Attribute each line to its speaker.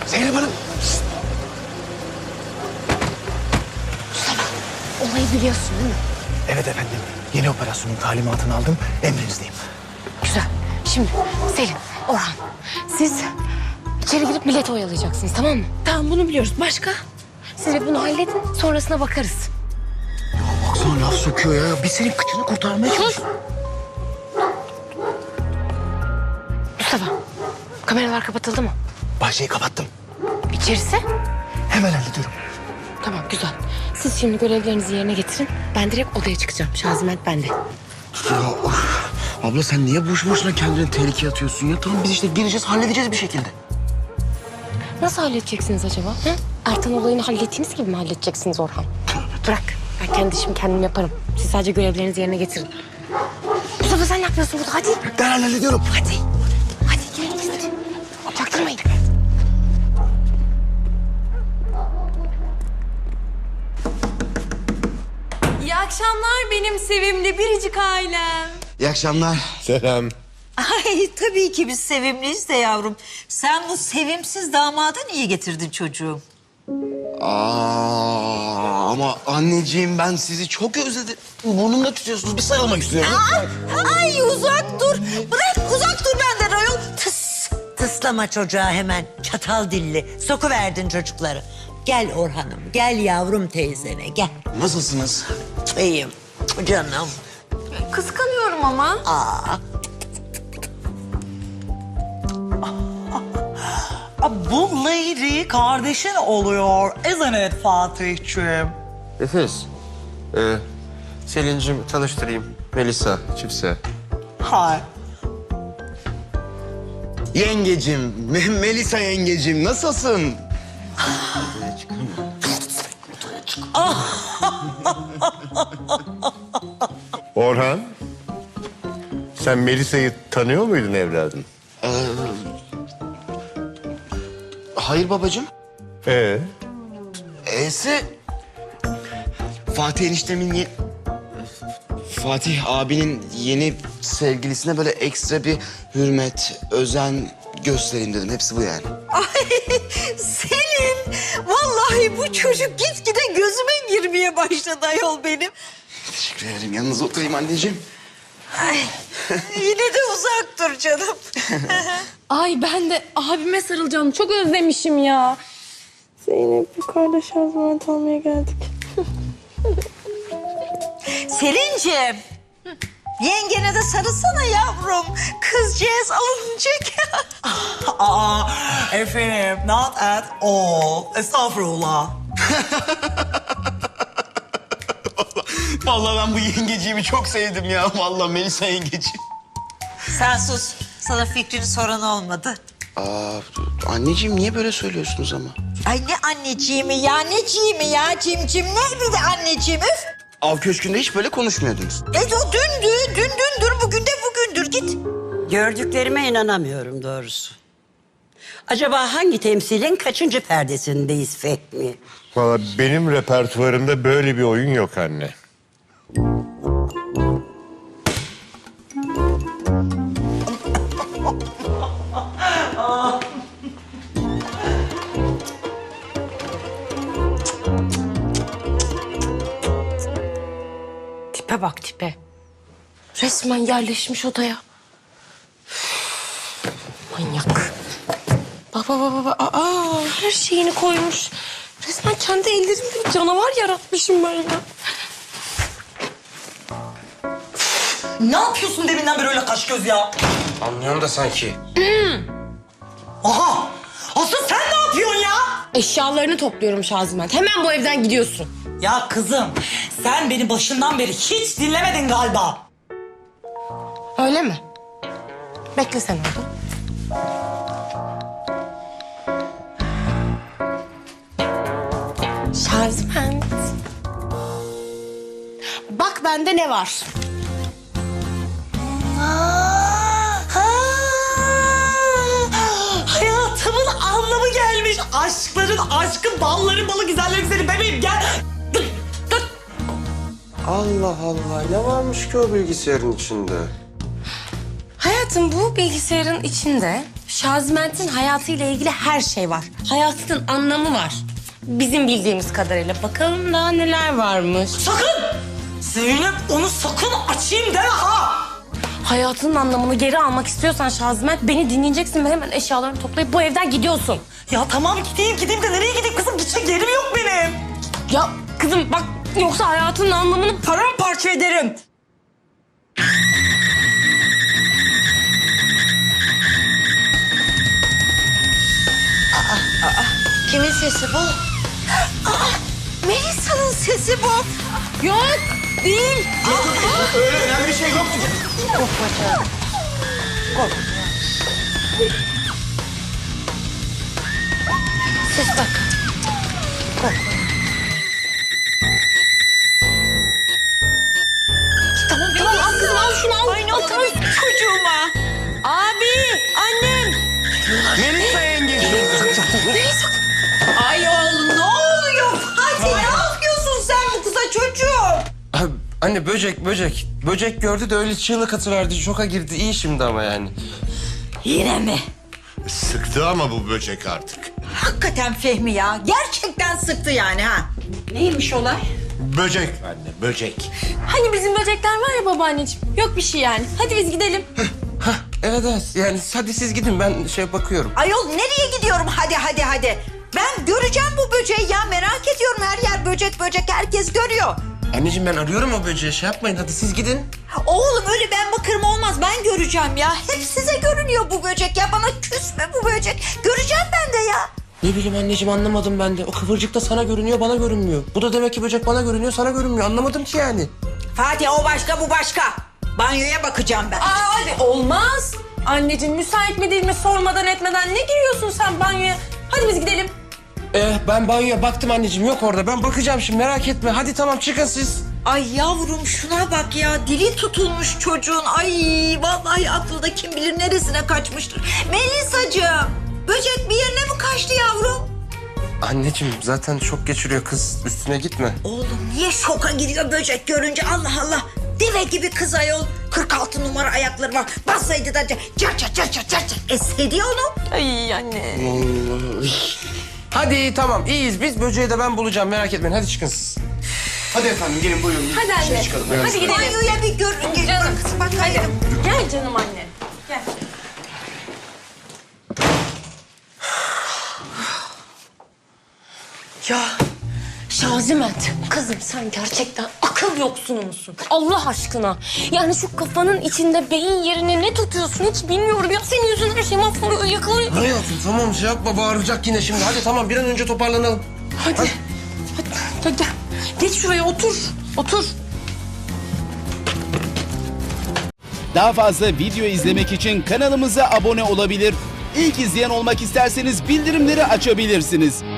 Speaker 1: Zeynep Hanım.
Speaker 2: Mustafa, olayı biliyorsun değil mi?
Speaker 1: Evet efendim. Yeni operasyonun talimatını aldım. Emrinizdeyim.
Speaker 2: Güzel. Şimdi Selim, Orhan, siz içeri girip milleti oyalayacaksınız, tamam mı? Tamam, bunu biliyoruz. Başka? Siz de bunu halledin, sonrasına bakarız.
Speaker 1: Baksana laf sokuyor ya. Biz senin kıçını kurtarmaya çalışıyoruz.
Speaker 2: Mustafa, kameralar kapatıldı mı?
Speaker 1: Bahçeyi kapattım.
Speaker 2: İçerisi?
Speaker 1: Hemen hallediyorum.
Speaker 2: Tamam, güzel. Siz şimdi görevlerinizi yerine getirin. Ben direkt odaya çıkacağım. Şaziment bende.
Speaker 1: Ya abla sen niye boş boşuna kendini tehlikeye atıyorsun ya? Tamam biz işte gireceğiz, halledeceğiz bir şekilde.
Speaker 2: Nasıl halledeceksiniz acaba? Hı? Ertan olayını hallettiğiniz gibi mi halledeceksiniz Orhan? Bırak. Ben kendi işimi kendim yaparım. Siz sadece görevlerinizi yerine getirin. Mustafa sen ne yapıyorsun burada? Hadi.
Speaker 1: Ben hallediyorum.
Speaker 2: Hadi. Hadi girelim biz hadi. Çaktırmayın.
Speaker 3: İyi akşamlar benim sevimli biricik ailem.
Speaker 1: İyi akşamlar.
Speaker 4: Selam.
Speaker 5: Ay tabii ki biz sevimliyiz de yavrum. Sen bu sevimsiz damadı niye getirdin çocuğum?
Speaker 1: Ama anneciğim ben sizi çok özledim. Burnumda tutuyorsunuz. Bir sarılmak istiyorum.
Speaker 5: Ay uzak dur. Bırak uzak dur benden ayol. Tıs. Tıslama çocuğa hemen. Çatal dilli. Sokuverdin çocukları. Gel Orhan'ım. Gel yavrum teyzene gel.
Speaker 1: Nasılsınız?
Speaker 5: İyiyim canım.
Speaker 3: Kıskanıyorum ama.
Speaker 6: Bu lady kardeşin oluyor. Isn't it Fatih'ciğim?
Speaker 4: Nefes. Selin'cim tanıştırayım. Melisa, Çipse.
Speaker 6: Hi.
Speaker 1: Yengecim, Melisa yengecim nasılsın?
Speaker 4: Orhan. Sen Melisa'yı tanıyor muydun evladım?
Speaker 1: Hayır babacığım. E'si Fatih eniştemin Fatih abinin yeni sevgilisine böyle ekstra bir hürmet, özen göstereyim dedim. Hepsi bu yani.
Speaker 5: Ay Selim. Vallahi bu çocuk gitgide gözüme girmeye başladı ayol benim.
Speaker 1: Teşekkür ederim. Yanınıza oturayım anneciğim.
Speaker 5: Ay yine de uzak dur canım.
Speaker 3: Ay ben de abime sarılacağım. Çok özlemişim ya. Zeynep yukarıda şazment almaya geldik.
Speaker 5: Selin'ciğim. Yengene de sarılsana yavrum. Kızcağız alınacak.
Speaker 6: Efendim, not at all. Estağfurullah.
Speaker 1: Vallahi ben bu yengeciğimi çok sevdim ya. Vallahi Melisa yengeciğim.
Speaker 5: Sen sus. Sana fikrini soran olmadı.
Speaker 1: Anneciğim niye böyle söylüyorsunuz ama?
Speaker 5: Ay ne anneciğimi ya, neciğimi ya, cimcim ne bir de anneciğim üf.
Speaker 1: Av Köşkü'nde hiç böyle konuşmuyordunuz.
Speaker 5: O dündür, bugün de bugündür git.
Speaker 7: Gördüklerime inanamıyorum doğrusu. Acaba hangi temsilin kaçıncı perdesindeyiz Fehmi?
Speaker 4: Valla benim repertuarımda böyle bir oyun yok anne.
Speaker 2: Tipe bak tipe. Resmen yerleşmiş odaya. Üf, manyak. Baba. Her şeyini koymuş. Resmen kendi ellerimle bir canavar yaratmışım ben ya.
Speaker 6: Ne yapıyorsun deminden beri öyle kaş göz ya?
Speaker 4: Anlıyorum da sanki.
Speaker 6: Aha! Asıl sen ne yapıyorsun ya?
Speaker 2: Eşyalarını topluyorum Şaziment. Hemen bu evden gidiyorsun.
Speaker 6: Ya kızım, sen beni başından beri hiç dinlemedin galiba.
Speaker 2: Öyle mi? Bekle sen orada. Şaziment. Bak bende ne var?
Speaker 6: Hayatımın anlamı gelmiş. Aşkların aşkı, balların balı, güzellerin güzeli bebeğim gel.
Speaker 4: Allah Allah, ne varmış ki o bilgisayarın içinde?
Speaker 2: Hayatım bu bilgisayarın içinde Şaziment'in hayatıyla ilgili her şey var. Hayatının anlamı var. Bizim bildiğimiz kadarıyla. Bakalım daha neler varmış.
Speaker 6: Sakın! Zeynep onu sakın açayım deme ha!
Speaker 2: Hayatının anlamını geri almak istiyorsan Şaziment beni dinleyeceksin ve hemen eşyalarını toplayıp bu evden gidiyorsun.
Speaker 6: Ya tamam gideyim de nereye gideyim kızım? Gidecek yerim yok benim.
Speaker 2: Ya kızım bak yoksa hayatının anlamını
Speaker 6: Paramparça ederim.
Speaker 5: Kimin sesi bu? Melisa'nın sesi bu.
Speaker 2: Yok değil.
Speaker 1: Öyle önemli bir şey yok.
Speaker 2: Ses bak. Tamam al kızım al şunu al.
Speaker 5: Ay ne oldu çocuğuma? Abi, annem.
Speaker 1: Melisa yenge.
Speaker 5: Ay oğlum ne oluyor Fatih? Ne yapıyorsun sen bu kıza çocuğum?
Speaker 8: Anne böcek. Böcek gördü de öyle çığlık atıverdi. Şoka girdi. İyi şimdi ama yani.
Speaker 5: Yine mi?
Speaker 4: Sıktı ama bu böcek artık.
Speaker 5: Hakikaten Fehmi ya. Gerçekten sıktı yani ha. Neymiş olay?
Speaker 4: Böcek anne, böcek.
Speaker 3: Hani bizim böcekler var ya babaanneciğim. Yok bir şey yani. Hadi biz gidelim.
Speaker 8: Evet. Yani hadi siz gidin. Ben bakıyorum.
Speaker 5: Ayol nereye gidiyorum? Hadi. Ben göreceğim bu böceği ya. Merak ediyorum. Her yer böcek herkes görüyor.
Speaker 8: Anneciğim ben arıyorum o böceği. Yapmayın. Hadi siz gidin.
Speaker 5: Oğlum öyle ben bakarım olmaz. Ben göreceğim ya. Hep size görünüyor bu böcek ya. Bana küsme bu böcek. Göreceğim ben de ya.
Speaker 8: Ne bileyim anneciğim anlamadım ben de. O kıvırcık da sana görünüyor, bana görünmüyor. Bu da demek ki böcek bana görünüyor, sana görünmüyor. Anlamadım ki yani.
Speaker 5: Fatih o başka bu başka. Banyoya bakacağım ben.
Speaker 3: Hadi olmaz. Anneciğim müsait mi değil mi sormadan etmeden ne giriyorsun sen banyoya? Hadi biz gidelim.
Speaker 8: Ben banyoya baktım anneciğim. Yok orada. Ben bakacağım şimdi merak etme. Hadi tamam çıkın siz.
Speaker 5: Ay yavrum şuna bak ya. Dili tutulmuş çocuğun. Ay vallahi aklı da kim bilir neresine kaçmıştır. Melisacığım. Böcek bir yerine mi kaçtı yavrum?
Speaker 8: Anneciğim zaten şok geçiriyor kız. Üstüne gitme.
Speaker 5: Oğlum niye şoka gidiyor böcek görünce? Allah Allah. Deve gibi kız ayol. 46 numara ayakları var. Bassaydı da car esseydi ya onu.
Speaker 3: Ay anne.
Speaker 8: Hadi tamam iyiyiz. Biz böceği de ben bulacağım. Merak etmeyin. Hadi çıkın siz.
Speaker 1: Hadi efendim gelin buyurun.
Speaker 3: Hadi anne. Hadi gidelim.
Speaker 5: Banyoya bir gör.
Speaker 3: Canım.
Speaker 5: Bakayım.
Speaker 3: Gel canım anne. Gel.
Speaker 2: Ya Şaziment kızım sen gerçekten akıl yoksunu musun? Allah aşkına. Yani şu kafanın içinde beyin yerine ne tutuyorsun hiç bilmiyorum ya. Senin yüzünden her şey mahvoluyor, yakılıyor.
Speaker 8: Hayatım tamam yapma. Bağıracak yine şimdi. Hadi tamam bir an önce toparlanalım.
Speaker 2: Hadi gel. Geç şuraya otur. Otur.
Speaker 9: Daha fazla video izlemek için kanalımıza abone olabilir. İlk izleyen olmak isterseniz bildirimleri açabilirsiniz.